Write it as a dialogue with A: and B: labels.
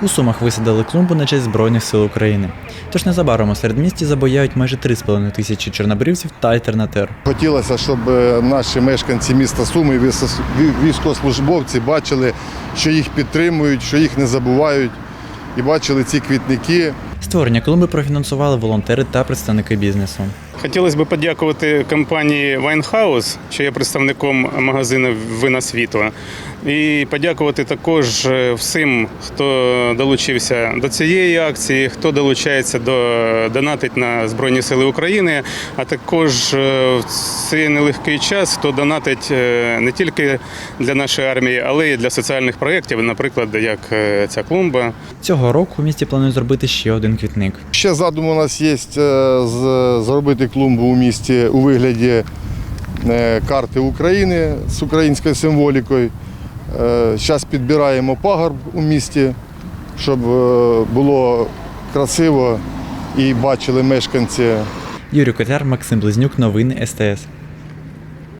A: У Сумах висадили клумбу на честь Збройних сил України. Тож незабаром у середмісті забояють майже 3,5 тисячі чорнобривців та альтернатир.
B: Хотілося, щоб наші мешканці міста Суми, військовослужбовці бачили, що їх підтримують, що їх не забувають, і бачили ці квітники.
A: Створення клумби профінансували волонтери та представники бізнесу.
C: Хотілося б подякувати компанії Вайнхаус, що є представником магазину «Вина світла». І подякувати також всім, хто долучився до цієї акції, хто долучається донатить на Збройні Сили України, а також в цей нелегкий час, хто донатить не тільки для нашої армії, але й для соціальних проєктів, наприклад, як ця клумба.
A: Цього року у місті планують зробити ще один квітник.
B: Ще задум у нас є зробити клумбу у місті у вигляді карти України з українською символікою. Зараз підбираємо пагорб у місті, щоб було красиво і бачили мешканці.
A: Юрій Котляр, Максим Близнюк, новини СТС.